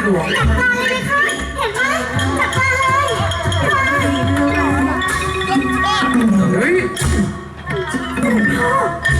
หลวงจัดการเลยไหมคะเห็นไหมจัดการเลยเฮ้ยพ่อ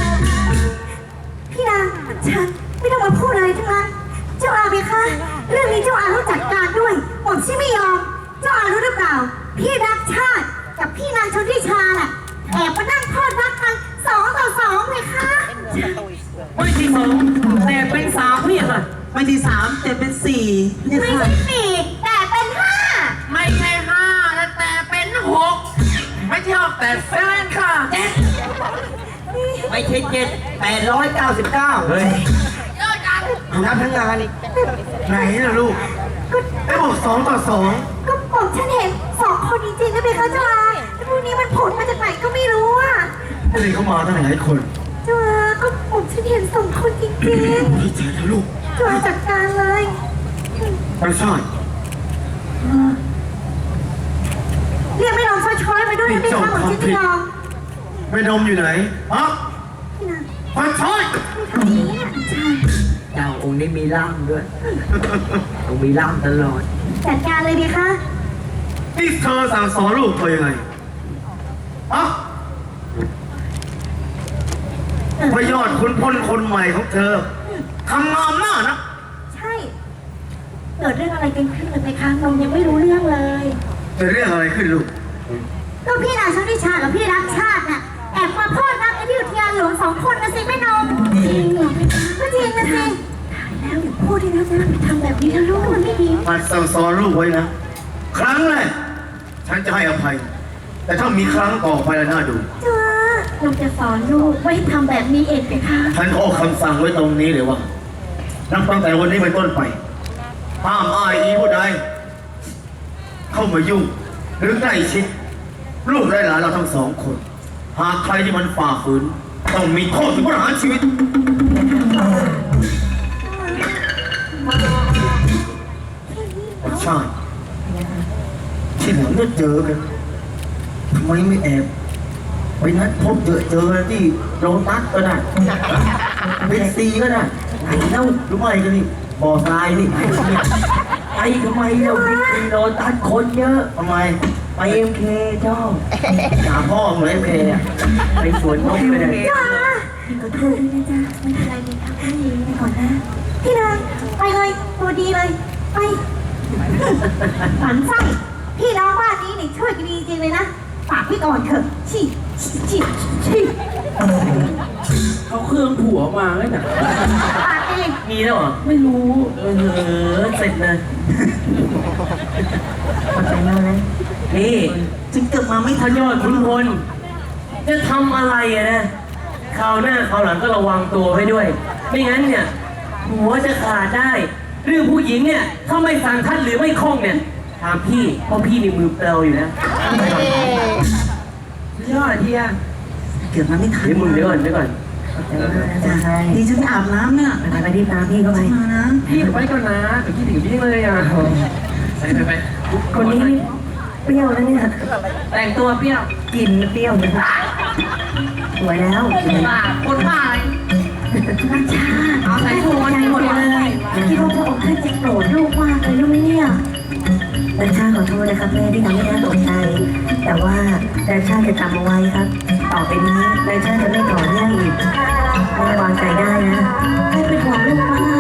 พี่นางฉันไม่ต้องมาพูดอะไรทั้งนั้นเจ้าอาไหมคะเรื่องนี้เจ้าอาต้องจัดการด้วยผมที่ไม่ยอมเจ้าอารู้หรือเปล่าพี่รักชาติกับพี่นางชนทิชาน่ะแอบมานั่งทอดรักกัน2-2เลยค่ะไม่ที่2แต่เป็น3พี่ค่ะไม่ที่3แต่เป็น4 ไม่ใช่4แต่เป็น5 ไม่ใช่5แต่เป็น6ไม่ใช่6แต่7ค่ะ7ไม่ใช่7 899เฮ้ยเยอะจังนับทั้งงานอีกไหนล่ะลูกไอ้บอก2-2 ก็ผมฉันเห็น2 คนจริงๆนะเบคะเจ้าอาแต่พวกนี้มันผลมาจากไหนก็ไม่รู้อ่ะนี่เขามาตั้งหลายคนเจ้าอาก็ผมฉันเห็น2 คนจริงๆพี่เจ๋งนะลูกเจ้าอาจัดการเลยไปซ่อนเรียกไม่ลองช้อยๆมาด้วยนะเบคะผมฉันไม่ลองไม่นมอยู่ไหนฮะไปซ่อนเจ้าองค์นี้มีล่ามด้วยต้องมีล่ามตลอดจัดการเลยเบคะนี่เธอสั่งสอนลูกเธอยังไงฮะพระยอดคุณพลคนใหม่ของเธอทำงานมากนะใช่เกิดเรื่องอะไรกันขึ้นเลยเบคะนมยังไม่รู้เรื่องเลยจะเรื่องอะไรขึ้นลูกก็พี่นางชนทิชากับพี่รักชาติน่ะแอบมาพ่อรักในที่อุทยานหลวง2 คนนะสิแม่นมจริงเหรอก็จริงนะสิแล้วอย่าพูดที่นะไปทำแบบนี้นะลูกมันไม่ดีมันสั่งสอนลูกไว้นะครั้งแรกฉันจะให้อภัยแต่ถ้ามีครั้งต่อไปแล้วน่าดูจ้าลูกจะสอนลูกไม่ทำแบบนี้เองเลยค่ะฉันขอคำสั่งไว้ตรงนี้เลยว่านับตั้งแต่วันนี้เป็นต้นไปห้ามอ้ายอีผู้ใดเข้ามายุ่งหรือใกล้ชิดลูกและหลานเราทั้ง2 คนหากใครที่มันฝ่าฝืนต้องมีโทษถึงประหารชีวิตใช่ที่หลังจะเจอกันทำไมไม่แอบไปนัดพบเจอที่โรงตัดก็ได้เป็นซีก็ได้ไอ้เล่ารู้ไหมกันนี่บ่อทรายนี่ไอ้ทำไมเราเป็นโรงตัดคนเยอะทำไมไปMKเจ้าหาพ่อเหมือนMKไปสวนนกไปเลยจ้าพี่ขอโทษด้วยนะจ๊ะไม่เป็นไรเลยครับพี่ไปก่อนนะพี่นางไปเลยตัวดีเลยไปฝันไส้พี่น้องบ้านนี้นี่ช่วยกันดีจริงเลยนะฝากพี่ก่อนเถอะชี้เขาเครื่องผัวมาแล้วน่ะฝากเองมีแล้วเหรอไม่รู้เสร็จเลยขอบใจมากนะนี่จึงเกิดมาไม่ทันยอดขุนพลจะทำอะไรนะคราวหน้าคราวหลังก็ระวังตัวให้ด้วยไม่งั้นเนี่ยหัวจะขาดได้เรื่องผู้หญิงเนี่ยถ้าไม่สั่งทัดหรือไม่คล่องเนี่ยถามพี่เพราะพี่ในมือเปล่าอยู่นะยอดเฮียเกิดมาไม่ทันมึงเดี๋ยวก่อนดีฉันอาบน้ำเนี่ยไปรีบตามพี่เข้าไปนะพี่ไปก่อนนะพี่ถึงพี่เลยอ่ะไปคนนี้เปรี้ยวแล้วเนี่ยแต่งตัวเปรี้ยวกินเปรี้ยวเลยสวยแล้วคนบ้าอะไรนัชชาเอาใส่ถุงใจหมดเลยคิดว่าพระองค์ท่านจะโกรธลูกมากเลยรู้ไหมเนี่ยนัชชาขอโทษนะครับแม่ที่ทำให้แม่ตกใจแต่ว่านัชชาจะจำเอาไว้ครับต่อไปนี้นัชชาจะไม่ก่อเรื่องอีกแม่วางใจได้นะไม่เป็นห่วงลูกมาก